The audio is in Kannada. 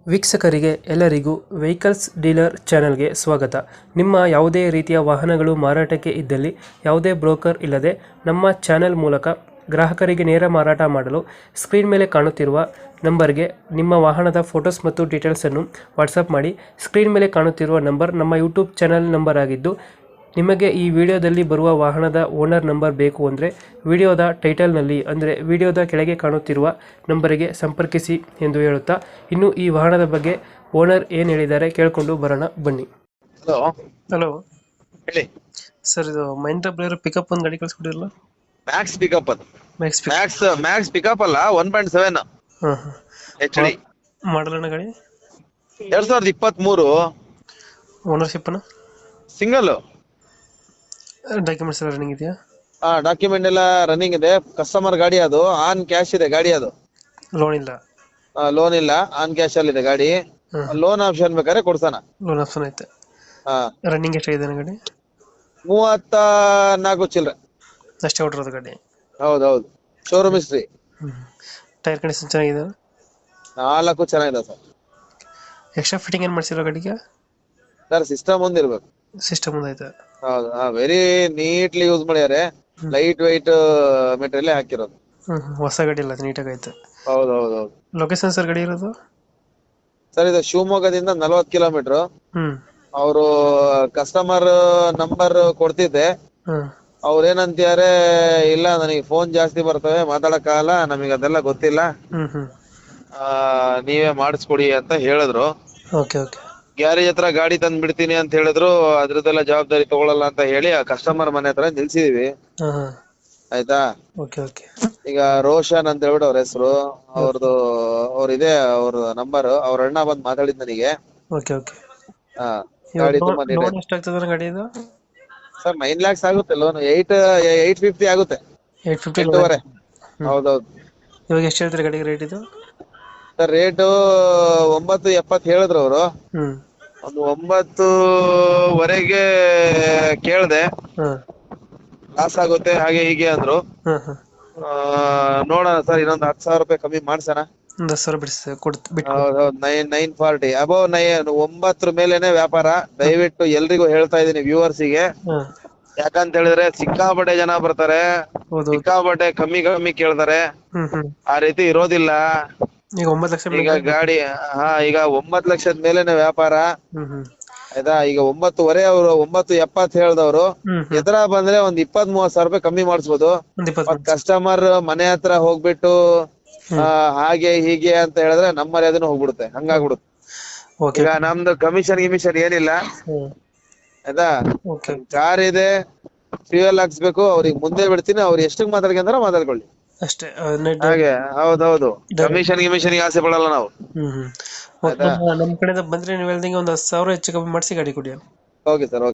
ವೀಕ್ಷಕರಿಗೆ ಎಲ್ಲರಿಗೂ ವೆಹಿಕಲ್ಸ್ ಡೀಲರ್ ಚಾನೆಲ್ಗೆ ಸ್ವಾಗತ. ನಿಮ್ಮ ಯಾವುದೇ ರೀತಿಯ ವಾಹನಗಳು ಮಾರಾಟಕ್ಕೆ ಇದ್ದಲ್ಲಿ ಯಾವುದೇ ಬ್ರೋಕರ್ ಇಲ್ಲದೆ ನಮ್ಮ ಚಾನೆಲ್ ಮೂಲಕ ಗ್ರಾಹಕರಿಗೆ ನೇರ ಮಾರಾಟ ಮಾಡಲು ಸ್ಕ್ರೀನ್ ಮೇಲೆ ಕಾಣುತ್ತಿರುವ ನಂಬರ್ಗೆ ನಿಮ್ಮ ವಾಹನದ ಫೋಟೋಸ್ ಮತ್ತು ಡೀಟೇಲ್ಸನ್ನು ವಾಟ್ಸಪ್ ಮಾಡಿ. ಸ್ಕ್ರೀನ್ ಮೇಲೆ ಕಾಣುತ್ತಿರುವ ನಂಬರ್ ನಮ್ಮ ಯೂಟ್ಯೂಬ್ ಚಾನೆಲ್ ನಂಬರ್ ಆಗಿದ್ದು, ನಿಮಗೆ ಈ ವಿಡಿಯೋದಲ್ಲಿ ಬರುವ ವಾಹನದ ಓನರ್ ನಂಬರ್ ಬೇಕು ಅಂದರೆ ವಿಡಿಯೋದ ಟೈಟಲ್ನಲ್ಲಿ ಅಂದರೆ ವಿಡಿಯೋದ ಕೆಳಗೆ ಕಾಣುತ್ತಿರುವ ನಂಬರಿಗೆ ಸಂಪರ್ಕಿಸಿ ಎಂದು ಹೇಳುತ್ತಾ, ಇನ್ನು ಈ ವಾಹನದ ಬಗ್ಗೆ ಓನರ್ ಏನು ಹೇಳಿದ್ದಾರೆ ಕೇಳಿಕೊಂಡು ಬರೋಣ ಬನ್ನಿ. ಹಲೋ ಹಲೋ ಹೇಳಿ. ಸರ್, ಇದು ಮಹೀಂದ್ರ ಬ್ಲೇರೋ ಪಿಕಪ್ ಒಂದು ಗಾಡಿ ಕಳಿಸ್ಕೊಡಿರಲ್ಲ? ಮ್ಯಾಕ್ಸ್ ಪಿಕಪ್ ಅದು. ಮ್ಯಾಕ್ಸ್ ಮ್ಯಾಕ್ಸ್ ಪಿಕಪ್ ಅಲ್ಲ, 1.7 ಹಾಂ ಹಾಂ HD ಮಾಡಲ್ ಅಣ್ಣ ಗಾಡಿ? 2023 ಓನರ್ಶಿಪ್ನ ಸಿಂಗಲ್. ಡಾಕ್ಯುಮೆಂಟ್ಸ್ ಎಲ್ಲ ರನ್ನಿಂಗ್ ಇದೆಯಾ? ಡಾಕ್ಯುಮೆಂಟ್ ಎಲ್ಲ ರನ್ನಿಂಗ್ ಇದೆ. ಕಸ್ಟಮರ್ ಗಾಡಿ, ಅದು ಆನ್ ಕ್ಯಾಶ್ ಇದೆ ಗಾಡಿ. ಅದು ಲೋನ್ ಇಲ್ಲ? ಲೋನ್ ಇಲ್ಲ, ಆನ್ ಕ್ಯಾಶ್ ಅಲ್ಲಿ ಇದೆ ಗಾಡಿ. ಲೋನ್ ಆಪ್ಷನ್ ಬೇಕಾದ್ರೆ ಕೊಡ್ಸಣ. ಲೋನ್ ಆಪ್ಷನ್ ಐತೆ. ರನ್ನಿಂಗ್ ಎಷ್ಟಾಗಿದೆ ಗಾಡಿ? 34 ಚಿಲ್ಲರೆ ಅಷ್ಟೇ ಹೊಡಿರೋದು ಗಾಡಿ? ಹೌದೌದು, ಶೋರೂಮ್ ಹಿಸ್ಟ್ರಿ. ಟೈರ್ ಕಂಡೀಷನ್ ಚೆನ್ನಾಗಿದೆ? 4 ಚೆನ್ನಾಗಿದೆ ಸರ್. ಎಕ್ಸ್ಟ್ರಾ ಫಿಟ್ಟಿಂಗ್ ಏನು ಮಾಡಿಸಿರೋ ಗಾಡಿಗೆ? Sir system ಒಂದಿರ್ಬೇಕು. ಸಿಸ್ಟಮ್ ಒಂದೈತೆ? ಹೌದು, ವೆರಿ ನೀಟ್ಲಿ ಯೂಸ್ ಮಾಡ್ಯಾರೆ. ಲೈಟ್ ವೈಟ್ ಮೆಟೀರಿಯಲ್ ಹಾಕಿರೋದು. ಹೊಸ ಗಾಡಿ ಇಲ್ಲ, ನೀಟಾಗಿ ಐತೆ. ಹೌದೌದು. ಲೊಕೇಶನ್ ಸರ್ ಗಾಡಿ ಇರೋದು? ಸರ್ ಇದು ಶಿವಮೊಗ್ಗದಿಂದ 40 ಕಿಲೋಮೀಟರ್. ಅವರು ಕಸ್ಟಮರ್ ನಂಬರ್ ಕೊಡ್ತಿದ್ದೆ, ಅವ್ರೇನಂತಾರೆ, ಇಲ್ಲ ನನಗೆ ಫೋನ್ ಜಾಸ್ತಿ ಬರ್ತವೆ, ಮಾತಾಡಕ್ಕಾಗಲ್ಲ, ನಮಗೆ ಅದೆಲ್ಲ ಗೊತ್ತಿಲ್ಲ, ನೀವೇ ಮಾಡಿಸ್ಕೊಡಿ ಅಂತ ಹೇಳಿದ್ರು. Okay okay. ಗ್ಯಾರೇಜ್ ಹತ್ರ ಗಾಡಿ ತಂದ್ ಬಿಡ್ತೀನಿ ಅಂತ ಹೇಳಿದ್ರು. ಅದ್ರದ್ದೆಲ್ಲ ಜವಾಬ್ದಾರಿ ತಗೊಳಲ್ಲ ಅಂತ ಹೇಳಿ ಆ ಕಸ್ಟಮರ್ ಮನೆ ಹತ್ರ ನಿಲ್ಸಿದೀವಿ. ಆಯ್ತಾ? Okay okay. ಈಗ ರೋಷನ್ ಅಂತ ಹೇಳ್ಬಿಟ್ಟು ಅವ್ರ ಹೆಸರು, ಅವ್ರಿದೆ ಅವ್ರ ನಂಬರ್. ಅವ್ರ ಅಣ್ಣ ಬಂದ್ ಮಾತಾಡಿದ್ ನನಗೆ. Okay okay. ಗಾಡಿ ತುಂಬಾ ಲೋನ್ ಎಷ್ಟಾಗ್ತದೆ ಗಾಡಿ ಇದು? ಸರ್ 9 lakhs ಆಗುತ್ತೆ ಲೋನ್. 850 ಆಗುತ್ತೆ. 850? 8.5. ಹೌದೌದು. ಇವಾಗ ಎಷ್ಟು ಹೇಳ್ತೀರಿ ಗಾಡಿಗೆ ರೇಟ್ ಇದು? ಸರ್ ರೇಟು 9.70 ಹೇಳಿದ್ರು ಅವರು. ಒಂದು 9.25 ಕೇಳ್ದೆ. ಲಾಸ್ ಆಗುತ್ತೆ ಹಾಗೆ ಹೀಗೆ ಅಂದ್ರು. ನೋಡೋಣ ಸರ್, ಇನ್ನೊಂದು 10,000 ರೂಪಾಯಿ ಕಮ್ಮಿ ಮಾಡ್ಸೋಣ. ಒಂದು 10,000 ಬಿಡಿಸಿ ಬಿಟ್ಟು. ಹೌದೌದು, 940 ಅಬೌವ್ 9 ಮೇಲೆನೆ ವ್ಯಾಪಾರ. ದಯವಿಟ್ಟು ಎಲ್ರಿಗೂ ಹೇಳ್ತಾ ಇದೀನಿ ವ್ಯೂವರ್ಸಿಗೆ, ಯಾಕಂತ ಹೇಳಿದ್ರೆ ಸಿಕ್ಕಾಪಟ್ಟೆ ಜನ ಬರ್ತಾರೆ, ಸಿಕ್ಕಾಪಟ್ಟೆ ಕಮ್ಮಿ ಕೇಳ್ತಾರೆ. ಆ ರೀತಿ ಇರೋದಿಲ್ಲ. ಈಗ 9 ಲಕ್ಷ ಈಗ ಗಾಡಿ ಈಗ 9 ಲಕ್ಷದ ಮೇಲೆನೆ ವ್ಯಾಪಾರ. ಆಯ್ತಾ? ಈಗ 9.25 ಅವರು 9.70 ಹೇಳ್ದವ್ರು. ಎದುರ ಬಂದ್ರೆ ಒಂದ್ 20-30 ರೂಪಾಯಿ ಕಮ್ಮಿ ಮಾಡಿಸ್ಬೋದು. ಕಸ್ಟಮರ್ ಮನೆ ಹತ್ರ ಹೋಗ್ಬಿಟ್ಟು ಹಾಗೆ ಹೀಗೆ ಅಂತ ಹೇಳಿದ್ರೆ ನಮ್ಮ ಮರ್ಯಾದೆನೂ ಹೋಗ್ಬಿಡುತ್ತೆ, ಹಂಗಾಗ್ಬಿಡುತ್ತೆ. ಈಗ ನಮ್ದು ಕಮಿಷನ್ ಏನಿಲ್ಲ. ಆಯ್ತಾ? ಕಾರ್ ಇದೆ, ಫ್ಯೂಯಲ್ ಹಾಕ್ಸ್ಬೇಕು, ಅವ್ರಿಗೆ ಮುಂದೆ ಬಿಡ್ತೀನಿ, ಅವ್ರು ಎಷ್ಟಕ್ ಮಾತಾಡ್ಕೊಂಡ್ರ ಮಾತಾಡ್ಕೊಳ್ಳಿ ಅಷ್ಟೇ. ಹಾಗೆ. ಹೌದೌದು, ಕಮಿಷನ್ ಆಸೆ ಪಡಲ್ಲ ನಾವು. ನಮ್ ಕಡೆಯಿಂದ ಬಂದ್ರೆ ನೀವು ಹೇಳ್ದಂಗೆ ಒಂದು 10,000 ಹೆಚ್ಚು ಕಮ್ಮಿ ಮಾಡಿಸಿ ಗಾಡಿ ಕೊಡಿ. Okay sir.